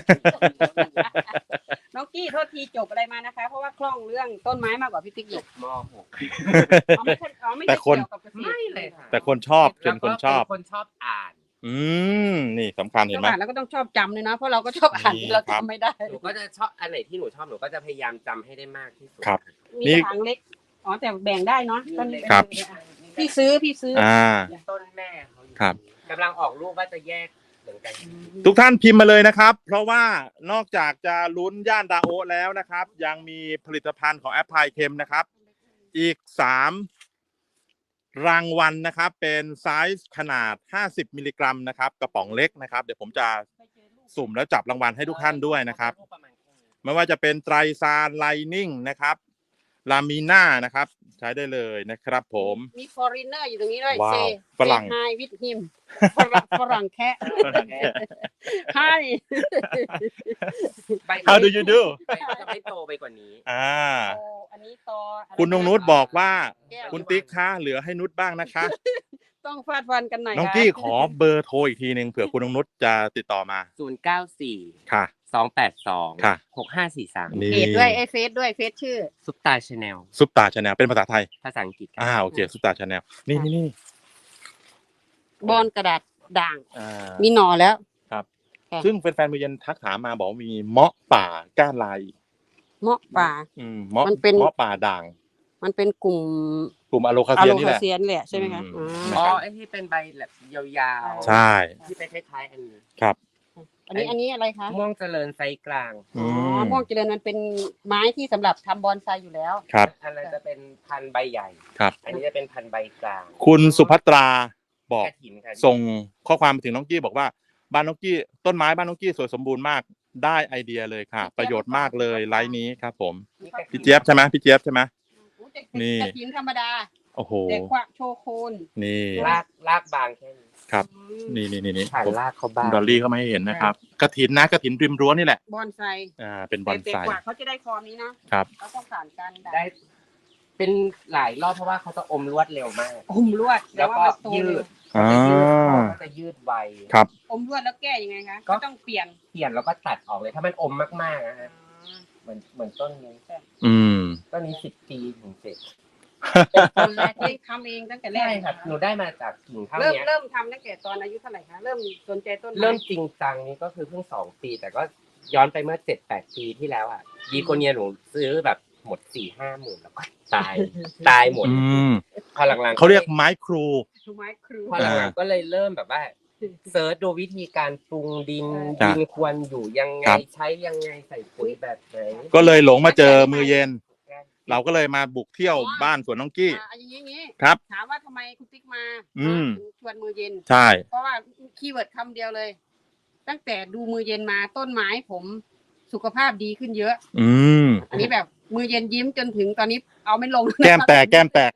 Speaker 3: น้องกี้โทษทีจบอะไรมานะคะ เพราะว่าคล่องเรื่องต้นไม้มากกว่าพี่ติ๊กอยู่
Speaker 2: ม .6
Speaker 3: อ๋อไม่ใช่อ๋อไม่
Speaker 1: แต่
Speaker 3: ใช่
Speaker 1: คน
Speaker 3: เกี่ยวกับเกษตร
Speaker 2: ไม่เลยค่ะ
Speaker 1: แต่คนชอบเป็นคนชอบ
Speaker 2: แล้วก็เป็นคนชอบอ่าน
Speaker 1: นี่สำคัญเห็นไหม
Speaker 3: ชอบอ่านแล้วก็ต้องชอบจำเลยนะเพราะเราก็ชอบอ่าน
Speaker 1: นี่
Speaker 3: เรา
Speaker 1: ครับ
Speaker 3: จำไม่ได้
Speaker 2: หนูก็จะชอบอันไหนที่หนูชอบหนูก็จะพยายามจำให้ได้มากที่สุด
Speaker 1: ครับ
Speaker 3: มี
Speaker 1: นี่
Speaker 3: กระถางเล็กอ๋อแต่แบ่งได้เนาะต้น
Speaker 1: ครับ
Speaker 3: พี่ซื้อ
Speaker 2: ต้นแม่เขาอยู่
Speaker 1: ครับ
Speaker 2: กำลังออกลูกว่าจะแยกเหมือนกัน
Speaker 1: ทุกท่านพิมพ์มาเลยนะครับ เพราะว่านอกจากจะลุ้นย่านดาโอะแล้วนะครับ ยังมีผลิตภัณฑ์ของแอปพลายเค็มนะครับ อีก3รางวัลนะครับ เป็นไซส์ขนาด50มิลลิกรัมนะครับกระป๋องเล็กนะครับ เดี๋ยวผมจะสุ่มแล้วจับรางวัลให้ทุกท่านด้วยนะครับ ไม่ว่าจะเป็นไตรซานไลนิ่งนะครับลามีน่านะครับ ใช้ได้เลยนะครับผม
Speaker 3: มี foreigner อยู่ตรงนี้ด้วย
Speaker 1: ว้าว
Speaker 3: Say
Speaker 1: ฝรั่ง
Speaker 3: Say hi with him ฝรั่งแคะให้
Speaker 2: ใบ
Speaker 1: How do you do
Speaker 2: ใบมันจะไม่โตไปกว่านี้
Speaker 3: โอ้อันนี้ต่ออะไร
Speaker 1: คุณนงนุชบอกว่า
Speaker 3: แก้ว
Speaker 1: คุณติ๊กคะเหลือให้นุชบ้างนะคะ
Speaker 3: ต้องฟาดฟันกันหน่อย
Speaker 1: น้อง
Speaker 3: ค่ะ
Speaker 1: กี้ขอเบอร์โทรอีกทีหนึ่งเผื่อคุณนงนุชจะติดต่อมา
Speaker 2: 094
Speaker 1: ค่ะ
Speaker 2: 282
Speaker 1: ค่ะ
Speaker 2: 6543
Speaker 1: นี่
Speaker 3: เพจด้วยเฟซด้วยเฟซชื่อ
Speaker 2: ซุปตาชาแนล
Speaker 1: ซุปตาชาแนลเป็นภาษาไทย
Speaker 2: ภาษาอังกฤษครั
Speaker 1: โอเคซุปตาชาแนลนี่
Speaker 3: บอนกระดาษด่าง
Speaker 1: อ่า
Speaker 3: มีหน่อแล้ว
Speaker 1: ครับ
Speaker 3: ค่ะ
Speaker 1: ซึ่งแฟนๆมือเย็นทักถามมาบอกว่ามีเมาะป่าก้านลาย
Speaker 3: เมาะป่า
Speaker 1: เมาะ
Speaker 3: มันเป็น
Speaker 1: เมาะป่าด่าง
Speaker 3: มันเป็นกลุ่ม
Speaker 1: กลุ่มอะโลคา
Speaker 3: อะ
Speaker 1: เซีย
Speaker 3: โล
Speaker 1: นี่
Speaker 3: คา
Speaker 1: แหละ
Speaker 3: เซียนแหละใช่ไหมคะ
Speaker 1: อืม
Speaker 2: อ๋อไอที่เป็นใบแบบยาวๆ
Speaker 1: ใช่
Speaker 2: ที่เป็นคล้ายๆอันนี้
Speaker 1: ครับ
Speaker 3: อันนี้อะไรคะ
Speaker 2: ม่วงเจริญไซส์กลาง
Speaker 3: อ๋อม่วงเจริญมันเป็นไม้ที่สำหรับทำบอนไซอยู่แล้ว
Speaker 1: ครับ
Speaker 2: อันนั้นจะเป็นพันธุ์ใบใหญ่
Speaker 1: ครับ
Speaker 2: อันนี้จะเป็นพันธุ์ใบกลาง
Speaker 1: คุณสุภัตราบอก
Speaker 2: กระถินค่ะ
Speaker 1: ส่งข้อความไปถึงน้องกี้บอกว่าบ้านน้องกี้ต้นไม้บ้านน้องกี้สวยสมบูรณ์มากได้ไอเดียเลยค่ะ ประโยชน์มากเลยไลน์นี้ครับผม
Speaker 2: นี่กระถิน
Speaker 1: พี่เจี๊ยบใช่ไหมพี่เจี๊ยบใช่ไหม นี่
Speaker 3: กระถินธรรมดา
Speaker 1: โอ้โห
Speaker 3: แต่กว่าโชโคน
Speaker 1: นี่
Speaker 2: รากบางแค่นี้
Speaker 1: ครับ
Speaker 3: อืม
Speaker 1: นี่
Speaker 2: ผ่านรากเขาบาง
Speaker 1: ดอลลี่เข้ามาให้เห็นนะครับกระถินนะกระถินริมรั้วนี่แหละ
Speaker 3: บอนไซ
Speaker 1: เป็นบอน
Speaker 3: แต่
Speaker 1: ไซ
Speaker 3: กว่าเขาจะได้ฟอร์มนี้นะครับ เขาต้องผ่านการดัด
Speaker 2: ได้เป็นหลายรอบเพราะว่าเขาจะอมรวดเร็วมาก
Speaker 3: อมลวด
Speaker 2: แล้วก็
Speaker 3: มันโต
Speaker 2: ยื
Speaker 3: เร็ว
Speaker 2: ดเขาจะยืดไว
Speaker 1: ครับ
Speaker 3: อมลวดแล้วแก้ยังไงคะ
Speaker 2: ก็
Speaker 3: ก็ต้องเปลี่ยน
Speaker 2: เปลี่ยนแล้วก็ตัดออกเลยถ้ามันอมมากๆนะฮะเหมือนต้นนี้
Speaker 1: อืม
Speaker 2: ต้นนี้10 ปีถึงเสร็จเป็นต้นแรก
Speaker 3: เอ
Speaker 2: ที่
Speaker 3: งทำเองตั้งแต่แร
Speaker 2: ใช่
Speaker 3: ก
Speaker 2: ครับหนูได้มาจากกิ่งเท่า
Speaker 3: เริ่ม
Speaker 2: เนี้ย
Speaker 3: เริ่มทำตั้งแต่ตอนอายุเท่าไหร่คะเริ่มสนใจต้นไม้
Speaker 2: เริ่มจริงจังนี้ก็คือเพิ่ง2 ปี แต่ก็ย้อนไปเมื่อ7-8 ปีที่แล้วอ่ะดีโกเนียหนูซื้อแบบหมด4-5 หมื่นแล้วก็ตายหมด
Speaker 1: อืม
Speaker 2: พอหลังๆ
Speaker 1: เขาเรียกไม้ครู
Speaker 3: ทูไม้ครู
Speaker 2: พอหลังๆก็เลยเริ่มแบบว่าเซิร์ชดูวิธีการปรุงดิน
Speaker 1: จ้ะ
Speaker 2: ดินควรอยู่ยังไง
Speaker 1: ครับ
Speaker 2: ใช้ยังไงใส่ปุ๋ยแบบไหน
Speaker 1: ก็เลยหลงมาเจอมือเย็น เราก็เลยมาบุกเที่ยวบ้านสวนน้องกี้
Speaker 3: อย่างนี้
Speaker 1: ครับ
Speaker 3: ถามว่าทำไมคุณติ๊กมา
Speaker 1: อืม
Speaker 3: ถึงชวนมือเย็น
Speaker 1: ใช่
Speaker 3: เพราะว่าคีย์เวิร์ดคำเดียวเลย ตั้งแต่ดูมือเย็นมาต้นไม้ผมสุขภาพดีขึ้นเยอะ
Speaker 1: อืม
Speaker 3: อันนี้แบบมือเย็นยิ้มจนถึงตอนนี้เอาไม่ลง
Speaker 1: แก้มแตก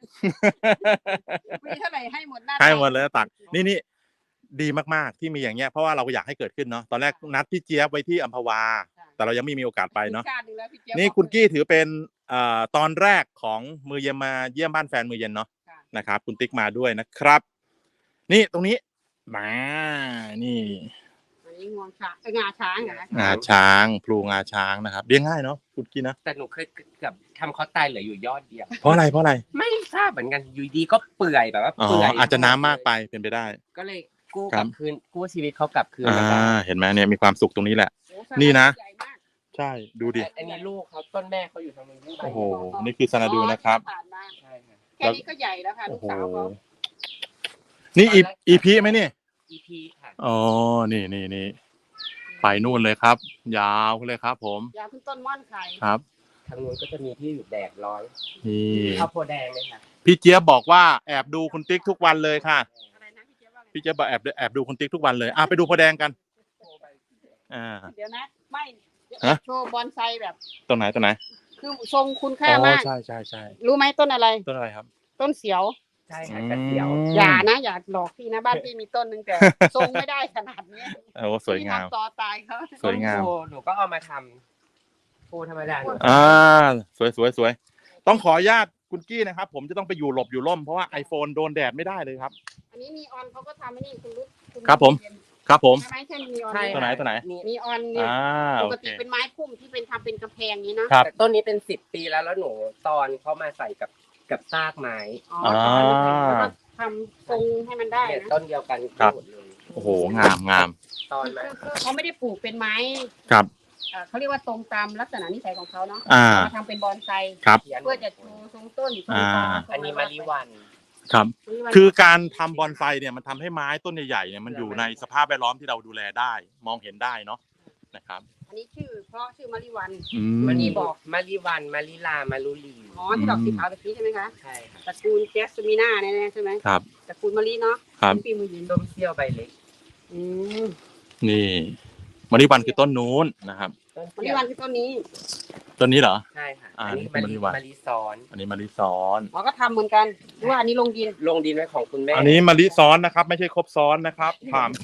Speaker 3: มีเท่าไหร่ให้หมดหน้า
Speaker 1: ให้หมดเลยตักนี่ดีมากๆที่มีอย่างเงี้ยเพราะว่าเราอยากให้เกิดขึ้นเนาะตอนแรกนัดพี่เจี๊ยบไว้ที่อัมพวา แต่เรายังไม่มีโอกาสไปเนาะ
Speaker 3: ชาติหนึ่งแล้วพี่เจี๊ยบ
Speaker 1: นี่
Speaker 3: บอก
Speaker 1: คุณกี้ถือเป็นตอนแรกของมือเย็นมาเยี่ยมบ้านแฟนมือเย็นเนาะ
Speaker 3: ค่ะ
Speaker 1: นะครับ คุณติ๊กมาด้วยนะครับ นี่ตรงนี้มานี่
Speaker 3: อันนี้งวงช้างงาช้างเหรอคะ
Speaker 1: งาช้างพลูงาช้างนะครับเลี้ยงง่ายเนาะคุณกี้นะ
Speaker 2: แต่หนูเคยเกือบทำเขาตายเหลืออยู่ยอดเดียว
Speaker 1: เพราะอะไร
Speaker 2: ไม่ทราบเหมือนกันอยู่ดีก็เปื่อยแบบว่า
Speaker 1: อ๋อ
Speaker 2: เปื่อย
Speaker 1: อาจจะน้ำมากไปเป็นไปได้
Speaker 2: ก็เลยกู้
Speaker 1: ครั
Speaker 2: ก
Speaker 1: บ
Speaker 2: ลับคืนกู้ชีวิตเขากลับคืนมาได้
Speaker 1: เห็นไหมเนี่ยมีความสุขตรงนี้แหละ
Speaker 3: โอ้
Speaker 1: นี่นะ
Speaker 3: ใหญ่มาก
Speaker 1: ใช่ดูดิ
Speaker 2: อันนี้ลูกเขาต้นแม่เขาอยู่ทางนู้น
Speaker 1: โอ้โหนี่คือซานาดูนะครับ
Speaker 3: ผ่านมา
Speaker 2: ใช่ค่ะ
Speaker 3: แค่นี้ก็ใหญ่แล้วค่ะ
Speaker 1: โอ้
Speaker 3: ลูก
Speaker 1: โห
Speaker 3: สาวเขา
Speaker 1: นี่อีพีไหมนี่
Speaker 2: EP ค่ะ
Speaker 1: อ๋อ นี่ไปนู่นเลยครับ ยาวเลยครับ ผม
Speaker 3: ยาวขึ้นต้นม่อนไข่
Speaker 1: ครับ
Speaker 2: ทางนู้นก็จะมีที่อยู่แดดร้อน
Speaker 1: นี่
Speaker 2: ข้าวโพดแดงเลยค่ะ
Speaker 1: พี่เจี๊ยบบอกว่าแอบดูคุณติ๊กทุกวันเลยค่ะ
Speaker 3: อะไรนะพี่เจี๊ยบว่าไง
Speaker 1: พี่เจี๊ยบบอกแอบดูคุณติ๊กทุกวันเลยไปดูโพธิ์แดงกัน
Speaker 3: เดี๋ยวนะไม่
Speaker 1: ฮะ
Speaker 3: โชว์บอนไซแบบ
Speaker 1: ตรงไหน
Speaker 3: คือทรงคุณค่ามาก
Speaker 1: ใช่
Speaker 3: รู้ไหมต้นอะไร
Speaker 1: ต้นอะไรครับ
Speaker 3: ต้นเสียว
Speaker 2: ใช่ค่ะกระเจียว
Speaker 3: อย่านะอย่าหลอกพี่นะบ้านพี่มีต้นนึงแต่ทรงไม่ได้ขนาดนี้
Speaker 1: โอ้สวยงาม
Speaker 3: พี่ทำต่อตายเขา
Speaker 1: สวยงาม
Speaker 2: ต้นโพหนูก็เอามาทำโพธรรมดา
Speaker 1: สวยต้องขออนุญาตคุณกี้นะครับ ผมจะต้องไปอยู่หลบอยู่ร่มเพราะว่า iPhone โดนแดดไม่ได้เลยครับ
Speaker 3: อันนี้นีออนเขาก็ทำให้นี่คุณรู้ณ
Speaker 1: ครับผม ครับผม
Speaker 3: ใช่ไหมใช่นีออน
Speaker 2: ใช่
Speaker 1: ตัวไหนตัวไหน
Speaker 3: นีออนเนี่ย ป
Speaker 1: โอก เค
Speaker 3: ติเป็นไม้พุ่มที่เป็นทำเป็นกระแพงนี้นะครับ
Speaker 2: แต่ต้นนี้เป็น10 ปีแล้วหนูตอนเขามาใส่กับซากไม้
Speaker 3: อ๋อแล้วก็ทำทรงให้มันได้
Speaker 2: เนี่ย
Speaker 3: นะ
Speaker 2: ต้นเดียวกัน
Speaker 1: ครับ
Speaker 2: หมดเลย
Speaker 1: โอ้โหงาม
Speaker 2: ตอนมา
Speaker 3: คือเขาไม่ได้ปลูกเป็นไม้
Speaker 1: ครับ
Speaker 3: เขาเรียกว่าตรงตามลักษณะนิสัยของเขาเนาะ
Speaker 1: อ่า
Speaker 3: มาทำเป็นบอนไซ
Speaker 1: ครับ
Speaker 3: เพื่อจะโชว์ทรงต้นทรง
Speaker 1: อ่า
Speaker 3: ฟ้า
Speaker 2: อันนี้มาริวัน
Speaker 1: ครับ
Speaker 3: มะลิวัน
Speaker 1: คือการทำบอนไซเนี่ยมันทำให้ไม้ต้นใหญ่ๆเนี่ยมันอยู่ในสภาพแวดล้อมที่เราดูแลได้ มองเห็นได้เนาะนะครับ
Speaker 3: อันนี้ชื่อเพราะชื่อมะลิวัน
Speaker 2: มัน
Speaker 3: นี่
Speaker 2: นี่
Speaker 3: บบ อ
Speaker 2: อก กมาริวันมาริลามารุลี
Speaker 3: อ๋อที่ดอกสีขาวตะกี้ใช่ไหมคะ
Speaker 2: ใช่ค่ะ
Speaker 3: ตระกูลแจสมิน่าแน่ๆใช่ไหม
Speaker 1: ครับ
Speaker 3: ตระกูลมะลิเนาะ
Speaker 1: ครับ
Speaker 3: เป็นปีมือยิน
Speaker 2: ต้มเซี่ยวใบเล็ก
Speaker 3: อืม
Speaker 1: นี่มะลิวันคือต้นนู้นนะครับ
Speaker 3: มะลิวันคือต้นนี้
Speaker 1: ต้นนี้เหรอ
Speaker 2: ใช่ค่ะ
Speaker 1: อ่า
Speaker 2: อันนี้
Speaker 1: นี่
Speaker 2: มา
Speaker 1: คือ
Speaker 2: ริ
Speaker 1: มะลิวัน
Speaker 2: มาริซ้อน
Speaker 1: อันนี้มะลิซ้อน
Speaker 3: อ๋อก็ทำเหมือนกันหรือว่าอันนี้ลงดิน
Speaker 2: ลงดินไว้ของคุณแม่
Speaker 1: อันนี้มะลิซ้อนนะครับ ไม่ใช่ครบซ้อนนะครับถาม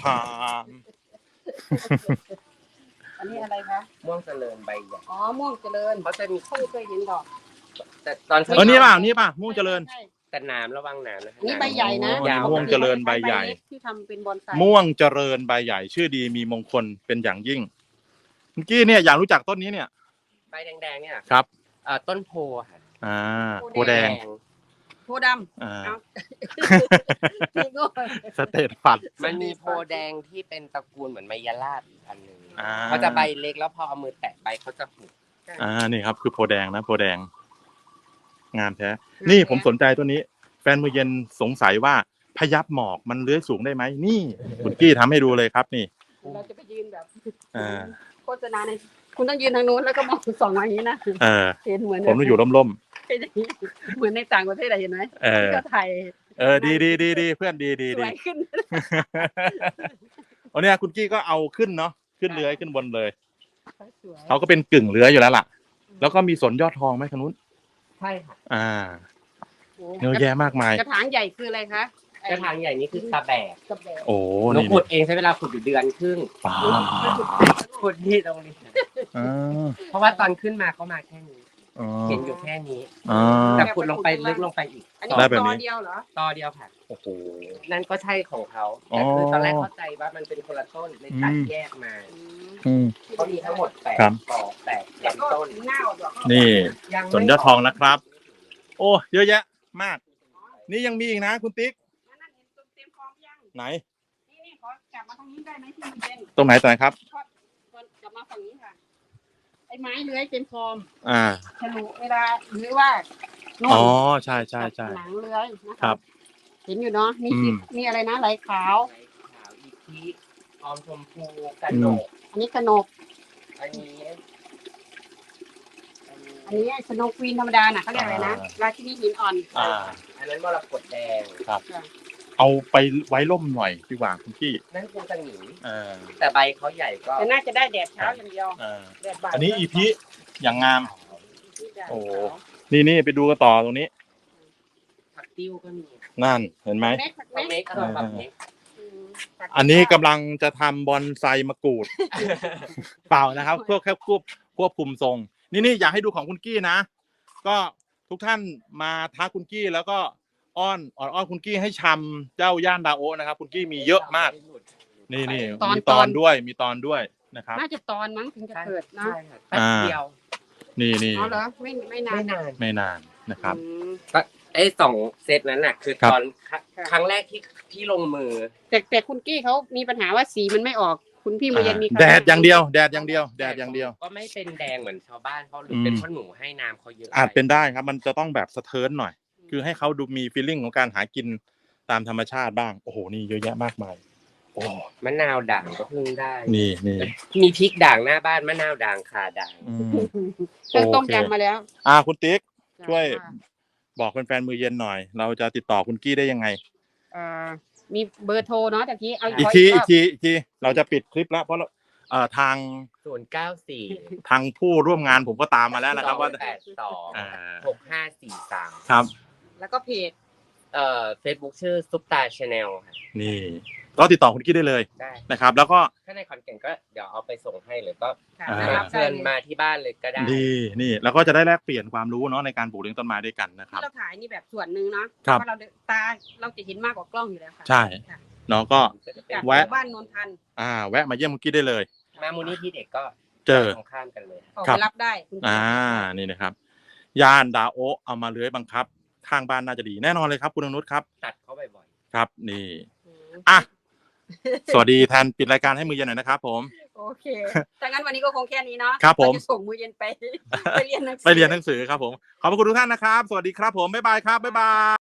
Speaker 3: อันนี้อะไรคะ
Speaker 2: ม่วงเจริญใบใหญ่
Speaker 3: อ๋อม่วงเจริญ
Speaker 2: เขาจะมี
Speaker 3: เขาไม่เคยเห็นดอก
Speaker 2: แต่ตอนเช้า
Speaker 1: นี่ป่ะม่วงเจริญ
Speaker 3: ใช่
Speaker 2: แต่น้ำระวังน้ำนะ
Speaker 3: อันนี้ใบใหญ่นะ
Speaker 1: โอ้
Speaker 2: ยาว
Speaker 1: ม่วงเจริญใบใหญ่
Speaker 3: เล็กที่ทำเป็นบอนไซ
Speaker 1: ม่วงเจริญใบใหญ่ ชื่อดีมีมงคลเป็นอย่างยิ่งเมื่อกี้เนี่ยอยากรู้จักต้นนี้เนี่ย
Speaker 2: ใบแดงๆเนี่ย
Speaker 1: ครับ
Speaker 2: ต้นโพค่ะ
Speaker 1: โพแดง
Speaker 3: โพดำ
Speaker 1: อ่า
Speaker 3: เอา พี่โง่
Speaker 1: สเตตฟัด
Speaker 2: มันมีโพแดงที่เป็นตระกูลเหมือนไมยราบอีกอันหนึ่ง
Speaker 1: อ่า
Speaker 2: เขาจะใบเล็กแล้วพอเอามือแตะใบเขาจะหุบ
Speaker 1: นี่ครับคือโพแดงนะโพแดง งามแท้ นี่ผมสนใจตัวนี้ แฟนมือเย็นสงสัยว่าพยับหมอกมันเลื้อยสูงได้ไหมนี่คุณกี้ทำให้ดูเลยครับนี่
Speaker 3: เราจะไปยืนแบบ
Speaker 1: อ่า
Speaker 3: โฆษณาในคุณต้องยืนทางนู้นแล้วก็มองส่องมาอย่างนี้นะ
Speaker 1: เออ
Speaker 3: เห็นเหมือน
Speaker 1: ผมต้องอยู่ร่ม
Speaker 3: เป็นอย่างนี้เหมือนในต่างประเทศอะเห็นไหม
Speaker 1: ๆเอ
Speaker 3: ที่
Speaker 1: อ
Speaker 3: ก็ไทย
Speaker 1: ดีเพื่อนดี
Speaker 3: สวยขึ้น
Speaker 1: วันนี้คุณกี้ก็เอาขึ้นเนาะขึ้นเลื้อยขึ้นบนเลย
Speaker 3: สวย
Speaker 1: เขาก็เป็นกึ่งเลื้อยอยู่แล้วล่ะ แล้วก็มีสนยอดทองไหมทางนู้น
Speaker 2: ใช่ค่ะ
Speaker 1: อ่าเยอะแยะมากมาย
Speaker 3: กระถางใหญ่คืออะไรคะ
Speaker 2: กระถางใหญ่นี่คือตะแบก
Speaker 3: กระแบก
Speaker 1: โอ้
Speaker 2: หนู
Speaker 1: นี่
Speaker 2: ขุดเองใช้เวลาขุดอยู่เดือนครึ่ง
Speaker 1: ป้า
Speaker 2: ขุดที่ตรงนี้
Speaker 1: อ่า
Speaker 2: เพราะว่าตอนขึ้นมาเขามาแค่นี้
Speaker 1: อ๋อ
Speaker 2: เห็นอยู่แค่นี้
Speaker 1: อ่า
Speaker 2: แต่ขุดลงไปลึกลงไปอีก
Speaker 3: อันนี้
Speaker 1: ได้แบบ
Speaker 3: ต
Speaker 1: นี้
Speaker 3: อเดียวเหรอ
Speaker 2: ต่อเดียวค่ะ
Speaker 1: โอ้โห
Speaker 2: นั่นก็ใช่ของเขา
Speaker 1: อ๋อ
Speaker 2: แต่คือตอนแรกเข้าใจว่ามันเป็นคนละต้นเลยตัดแยกมา
Speaker 1: อืม
Speaker 2: เขามีทั้งหมด8
Speaker 1: ครับ
Speaker 2: ปอก8
Speaker 3: แล้วก็
Speaker 2: ต้น
Speaker 3: เน่าดอก
Speaker 1: นี่
Speaker 2: ยังไม่
Speaker 1: สวนยอดทองนะครับ โอ้เยอะแยะมาก นี่ยังมีอีกนะคุณติ๊ก
Speaker 3: นั่นเห็นเต็มฟอร์มยัง
Speaker 1: ไหน
Speaker 3: นี่ขอกลับมาตรงนี้ได้ไหมที่มันเป็น
Speaker 1: ตรงไหนครับ
Speaker 3: กลับมาฝั่งนี้ค่ะ ไอ้ไม้เลื้อยเป็นฟอร์ม
Speaker 1: อ่า
Speaker 3: ฉลุเวลาหรือว่าโน่น
Speaker 1: อ๋อใช่ใช่ใช่
Speaker 3: หนังเลื้อยนะะ
Speaker 1: ครับ
Speaker 3: เห็นอยู่เนาะนี่
Speaker 1: อืม
Speaker 3: นี่อะไรนะไหลขาว
Speaker 2: ขาวอีพีออมชมพูกระโดก
Speaker 3: อันนี้กระหนก
Speaker 2: อันนี้
Speaker 3: อันนี้สโนว์ควีนธรรมดาน่ะเขาเรียกอะไรนะราชินีหินอ่อน
Speaker 1: อ่า
Speaker 2: อันนั้นมรกตแดง
Speaker 1: เอาไปไว้ร่มหน่อยดีกว่าคุณพี่
Speaker 2: นั่นคือสนิม
Speaker 1: อ่า
Speaker 2: แต่ใบเขาใหญ่ก็
Speaker 3: แต่น่าจะได้แดดเช้าอย่างเดียว
Speaker 1: อ่า
Speaker 3: แดดบ่าย
Speaker 1: อันนี้อีพีอย่างงาม โอ้
Speaker 3: โอ้
Speaker 1: นี่ไปดูกันต่อตรงนี้
Speaker 2: ผักติ้วก็มี
Speaker 1: นั่นเห็นไหม
Speaker 2: ผักเม็กก็ผักเม็ก
Speaker 1: อันนี้กำลังจะทำบอนไซมะกรูด เปล่านะครับเพื่อแค่ควบคุมทรง นี่อยากให้ดูของคุณกี้นะ ก็ทุกท่านมาท้าคุณกี้แล้วก็อ้อนคุณกี้ให้ชำเจ้าย่านดาโอะนะครับ คุณกี้มีเยอะมาก นี่มีตอนด้วยนะครับ
Speaker 3: น่าจะตอนมั้งถึงจะเกิดนะ
Speaker 2: ใช่ค่ะแป๊บเดียว
Speaker 1: นี่
Speaker 3: เอาเหรอไม่นาน
Speaker 2: ไม่นาน
Speaker 1: ไม่นานนะครับ
Speaker 3: อืม
Speaker 2: ไอ้2 เซตนั้นน่ะคือ
Speaker 1: ครับ
Speaker 2: ตอนครั้งแรกที่ลงมือ
Speaker 3: แต่คุณกี้เขามีปัญหาว่าสีมันไม่ออกคุณพี่มาเย็นมี
Speaker 1: แดดอย่างเดียวแดดอย่างเดียว
Speaker 2: ก็ไม่เป็นแดงเหมือนชาวบ้านเขาหรือเป็นเพราะหนูให้น้ำเขาเยอะ
Speaker 1: อาจเป็นได้ครับ มันจะต้องแบบสะเทินหน่อย คือให้เขาดูมีฟีลลิ่งของการหากินตามธรรมชาติบ้าง โอ้โห นี่เยอะแยะมากมาย โอ้
Speaker 2: มะนาวด่างก็เพิ่งได้
Speaker 1: นี่
Speaker 2: มีพริกด่างหน้าบ้านมะนาวด่างข่าด่าง
Speaker 1: อืม
Speaker 3: เครื่องต้ม
Speaker 1: โอเค
Speaker 3: ยำมาแล้ว
Speaker 1: คุณติ๊ก ช่วย บอกแฟนๆมือเย็นหน่อย เราจะติดต่อคุณกี้ได้ยังไง
Speaker 3: มีเบอร์โทรเนาะตะกี้เอา
Speaker 1: อีก
Speaker 3: ข
Speaker 1: ที
Speaker 3: รบ
Speaker 1: เราจะปิดคลิปแล้วเพราะทาง
Speaker 2: 094
Speaker 1: ทางผู้ร่วมงานผมก็ตามมาแล้วนะครับว่า
Speaker 2: 282 6543
Speaker 1: ครับ
Speaker 3: แล้วก็เพจ
Speaker 2: Facebook ชื่อซุปตาชาแนลค่ะ
Speaker 1: นี่ก็ติดต่อคุณกี้ได้เลย
Speaker 2: ได้
Speaker 1: นะครับ แล้วก็
Speaker 2: ถ้าในขอนแก่นก็เดี๋ยวเอาไปส่งให้หรือก็
Speaker 3: ค่ะ
Speaker 1: อ่า
Speaker 3: รับได้
Speaker 2: เชิญ
Speaker 3: เลย
Speaker 2: มาที่บ้านเลยก็ได้
Speaker 1: นี่แล้วก็จะได้แลกเปลี่ยนความรู้เนาะในการปลูกเลี้ยงต้นไม้ด้วยกันนะค
Speaker 3: ที่
Speaker 1: รับ
Speaker 3: เราถ่ายนี่แบบส่วนหนึ่งเนาะ
Speaker 1: ครับ
Speaker 3: เพราะเราจะเห็นมากกว่ากล้องอยู่แล้วค่ะ
Speaker 1: ใช่
Speaker 3: ค่ะ
Speaker 1: เนาะก็
Speaker 3: จาก
Speaker 1: แวะ
Speaker 3: หมู่บ้านนนทัน
Speaker 1: แวะมาเยี่ยมคุณกี้ได้เลย
Speaker 2: มามูลนิธิเด็กก็
Speaker 1: เจอ
Speaker 2: ตรงข้ามกันเลย
Speaker 3: ออก
Speaker 1: ครั
Speaker 3: ไป
Speaker 1: บ
Speaker 3: รับได้คุณพี่
Speaker 1: นี่นะครับย่านดาโอะเอามาเลื้อยบังคับ ข้างบ้านน่าจะดีแน่นอนเลยครับคุณอนุชครับ
Speaker 2: ตัดเขาบ่อย
Speaker 1: ครับ นี่
Speaker 3: อืม
Speaker 1: อ่ะสวัสดีแทนปิดรายการให้มือเย็นหน่อยนะครับผม
Speaker 3: โอเคถ้างั้นวันนี้ก็คงแค่นี้เนาะ
Speaker 1: ครับผม
Speaker 3: เาจะส่งมือเย็นไป ไปเรียนหนังสือ
Speaker 1: ไปเรียนหนังสือครับผมขอบพระคุณทุกท่านนะครับ สวัสดีครับผมบ๊ายบายครับบ๊ายบาย